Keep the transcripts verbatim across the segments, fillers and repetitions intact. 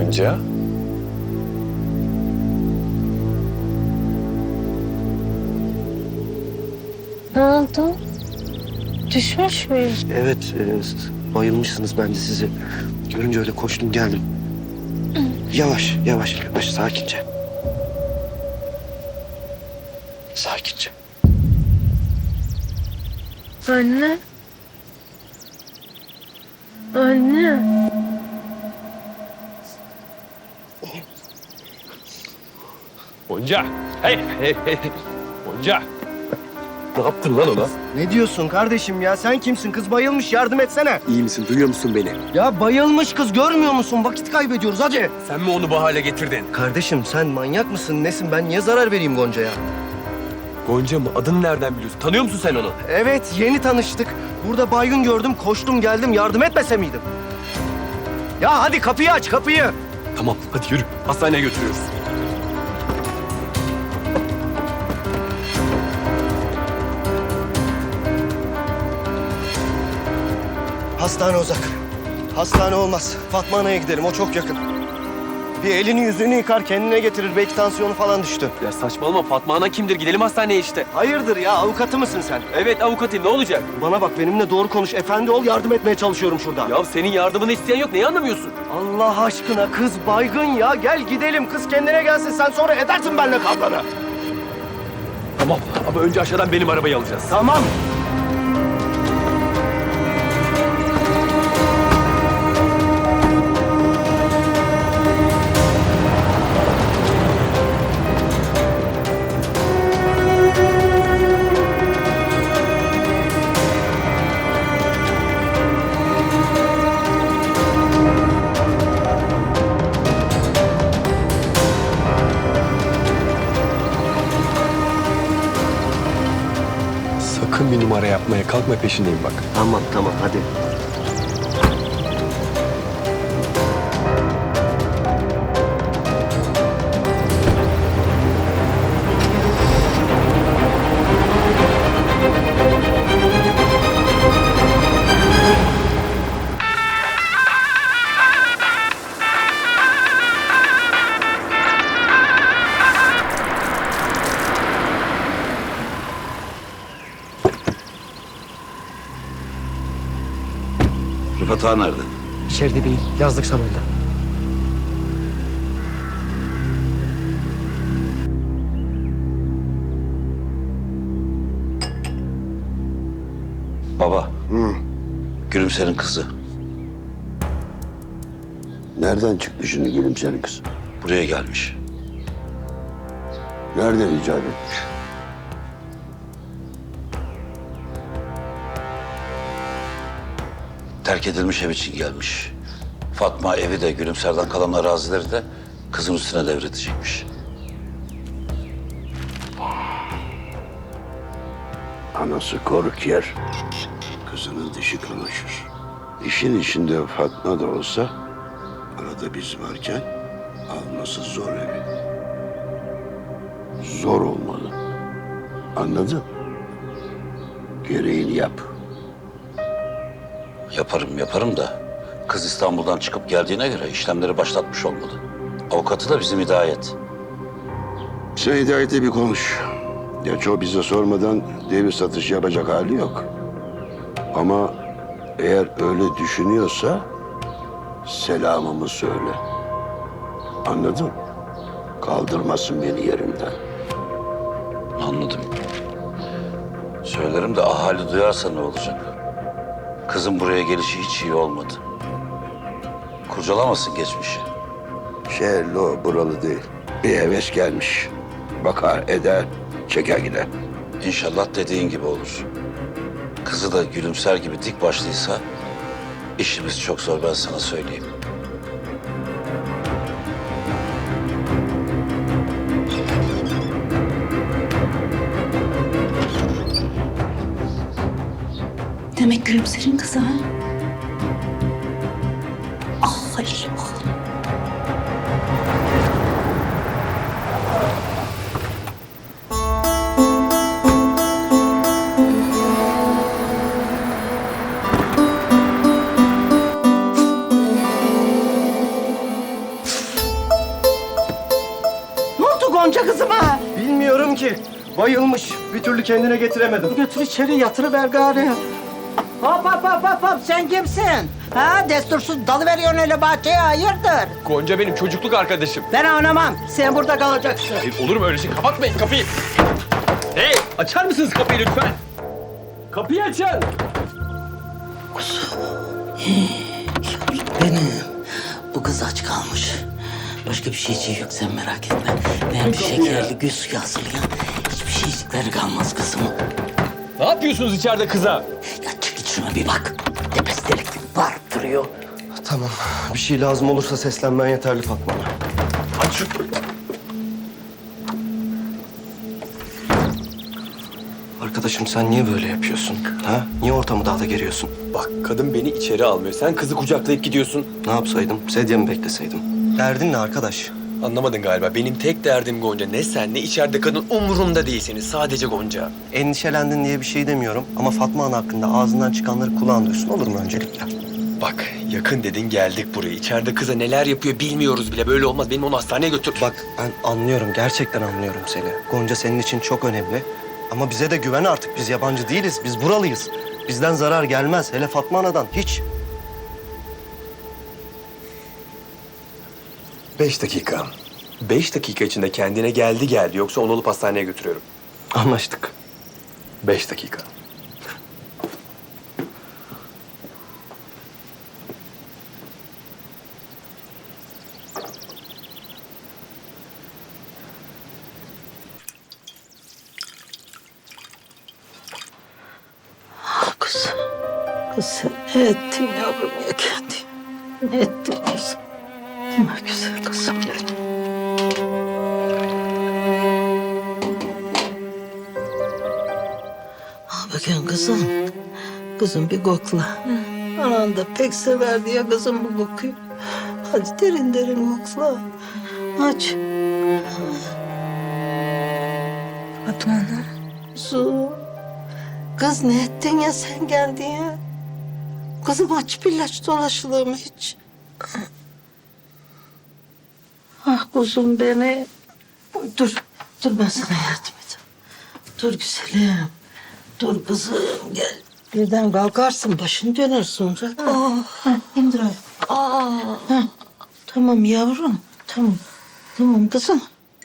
Gonca. Ne oldu? Düşmüş müyüm? Evet, e, bayılmışsınız, ben de sizi görünce öyle koştum geldim. Yavaş, yavaş, yavaş, sakince. Sakince. Anne. Anne. Gonca. Hey, hey, hey. Gonca. Ne yaptın lan ona? Ne diyorsun kardeşim ya? Sen kimsin? Kız bayılmış, yardım etsene. İyi misin? Duyuyor musun beni? Ya bayılmış kız, görmüyor musun? Vakit kaybediyoruz, hadi. Sen mi onu bu hale getirdin? Kardeşim sen manyak mısın, nesin? Ben niye zarar vereyim Gonca'ya? Gonca mı? Adını nereden biliyorsun? Tanıyor musun sen onu? Evet, yeni tanıştık. Burada baygın gördüm, koştum geldim. Yardım etmese miydim? Ya hadi kapıyı aç, kapıyı. Tamam, hadi yürü. Hastaneye götürüyoruz. Hastane uzak. Hastane olmaz. Fatma Ana'ya gidelim, o çok yakın. Bir elini yüzünü yıkar, kendine getirir. Belki tansiyonu falan düştü. Ya saçmalama. Fatma Ana kimdir? Gidelim hastaneye işte. Hayırdır ya, avukatı mısın sen? Evet avukatım. Ne olacak? Bana bak, benimle doğru konuş. Efendi ol, yardım etmeye çalışıyorum şurada. Ya senin yardımını isteyen yok. Neyi anlamıyorsun? Allah aşkına, kız baygın ya. Gel gidelim, kız kendine gelsin. Sen sonra edersin benimle kavganı. Tamam ama önce aşağıdan benim arabayı alacağız. Tamam. Sakın bir numara yapmaya kalkma, peşindeyim bak. Tamam, tamam, hadi. Rıfat Ağa nerede? İçeride değil, yazlık salonda. Baba. Gülümser'in kızı. Nereden çıktı şimdi Gülümser'in kız? Buraya gelmiş. Nereden icat etmiş? Terk edilmiş ev için gelmiş. Fatma evi de Gülümser'den kalan arazileri de kızın üstüne devredecekmiş. Anası koruk yer, kızının dişi kamaşır. İşin içinde Fatma da olsa, arada biz varken alması zor evi. Zor olmalı. Anladın? Gereğini yap. Yaparım yaparım da kız İstanbul'dan çıkıp geldiğine göre işlemleri başlatmış olmalı. Avukatı da bizim Hidayet. Sen Hidayet'e bir konuş. Gerçi o bize sormadan devir satış yapacak hali yok. Ama eğer öyle düşünüyorsa selamımı söyle. Anladın? Kaldırmasın beni yerimden. Anladım. Söylerim de ahali duyarsa ne olacak? Kızın buraya gelişi hiç iyi olmadı. Kurcalamasın geçmişi. Şehirli o, buralı değil. Bir heves gelmiş. Bakar, eder, çeker gider. İnşallah dediğin gibi olur. Kızı da Gülümser gibi dik başlıysa işimiz çok zor, ben sana söyleyeyim. Demek Gülümser'in kızı ha? Ah Halil ah. ki. Bayılmış. Bir türlü kendine getiremedim. Götür içeri yatırıver gari. Hop hop hop hop hop sen kimsin? Ha destursuz dalı veriyorsun öyle bahçeye hayırdır? Gonca benim çocukluk arkadaşım. Ben oynamam. Sen burada kalacaksın. Hayır, olur mu öyle şey? Kapatmayın kapıyı. Hey, açar mısınız kapıyı lütfen? Kapıyı açın. Benim. Bu kız aç kalmış. Başka bir şeyciği yok sen merak etme. Ben bir şekerli gül suyu hazırlayayım. Hiçbir şeycikleri kalmaz kızımın. Ne yapıyorsunuz içeride kıza? Ya çık git şuna bir bak. Tepesi delik gibi bağırıp duruyor. Tamam. Bir şey lazım olursa seslenmen yeterli Fatma Ana. Aç şu... Arkadaşım sen niye böyle yapıyorsun? Ha? Niye ortamı daha da geriyorsun? Bak kadın beni içeri almıyor. Sen kızı kucaklayıp gidiyorsun. Ne yapsaydım? Sedye mi bekleseydim? Derdin ne arkadaş? Anlamadın galiba. Benim tek derdim Gonca. Ne sen ne içeride kadın umurumda değilsiniz. Sadece Gonca. Endişelendin diye bir şey demiyorum. Ama Fatma Ana hakkında ağzından çıkanları kulağın duysun, olur mu öncelikle? Bak yakın dedin geldik buraya. İçeride kıza neler yapıyor bilmiyoruz bile. Böyle olmaz. Benim onu hastaneye götür. Bak ben anlıyorum, gerçekten anlıyorum seni. Gonca senin için çok önemli. Ama bize de güven artık. Biz yabancı değiliz, biz buralıyız. Bizden zarar gelmez. Hele Fatma Ana'dan hiç. Beş dakika. Beş dakika içinde kendine geldi geldi. Yoksa onu alıp hastaneye götürüyorum. Anlaştık. Beş dakika. Kız. Kız sen ne ettin yavrum ya kendi? Ne ettin kızım? Ne güzel kızım benim. Al bakayım kızım. Kızım bir kokla. Anan da pek severdi ya kızım bu kokuyu. Hadi derin derin kokla. Aç. Fatma Ana. Kuzum. Kız ne ettin ya sen geldin ya? Kızım aç bir ilaç dolaşılır mı hiç? Ah kuzum beni. Dur, dur ben sana yardım edeyim. Dur güzelim. Dur kızım gel. Birden kalkarsın başın döner sonra. Ah, indir ayağını. Ah. Tamam yavrum, tamam. Tamam kızım.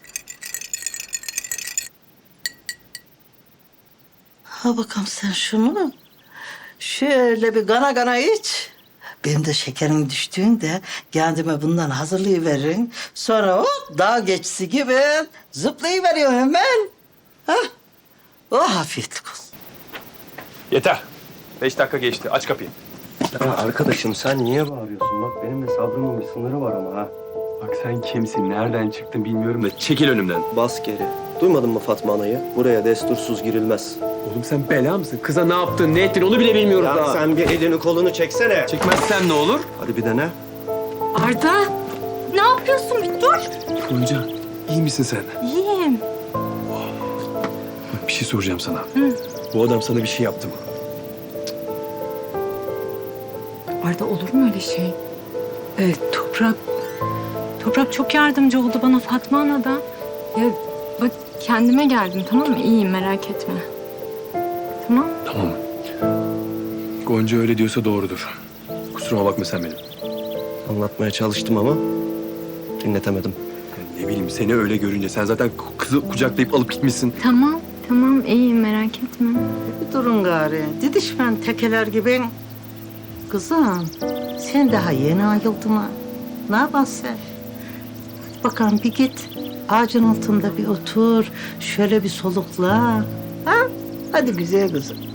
Ha bakalım sen şunu. Şöyle bir gana gana iç. Benim de şekerim düştüğünde kendime bundan hazırlayıverin. Sonra o dağ geçisi gibi zıplayıveriyor hemen. Ha? Oh afiyetlik olsun. Yeter. Beş dakika geçti. Aç kapıyı. Ya arkadaşım sen niye bağırıyorsun? Bak benim de sabrımın bir sınırı var ama ha. Bak sen kimsin? Nereden çıktın bilmiyorum da çekil önümden. Bas geri. Duymadın mı Fatma Ana'yı? Buraya destursuz girilmez. Oğlum sen bela mısın? Kıza ne yaptın, ne ettin onu bile bilmiyoruz Ya daha. sen bir elini kolunu çeksene. Çekmezsem ne olur? Hadi bir dene. Arda. Ne yapıyorsun? Bir dur. Gonca, iyi misin sen? İyiyim. Bak bir şey soracağım sana. Hı. Bu adam sana bir şey yaptı mı? Arda olur mu öyle şey? Evet, Toprak... Toprak çok yardımcı oldu bana Fatma Ana'da. Ya bak kendime geldim tamam mı? İyiyim merak etme. Tamam. Tamam. Gonca öyle diyorsa doğrudur. Kusuruma bakma sen benim. Anlatmaya çalıştım ama dinletemedim. Ya ne bileyim seni öyle görünce sen zaten kızı kucaklayıp alıp gitmişsin. Tamam, tamam iyiyim merak etme. Bir durun gari. Didişmen tekeler gibi. Kızım sen daha yeni ayıldın ha. Ne yaparsın sen? Hadi bakalım bir git. Ağacın altında bir otur. Şöyle bir solukla. Ha? Hadi güzel kızım.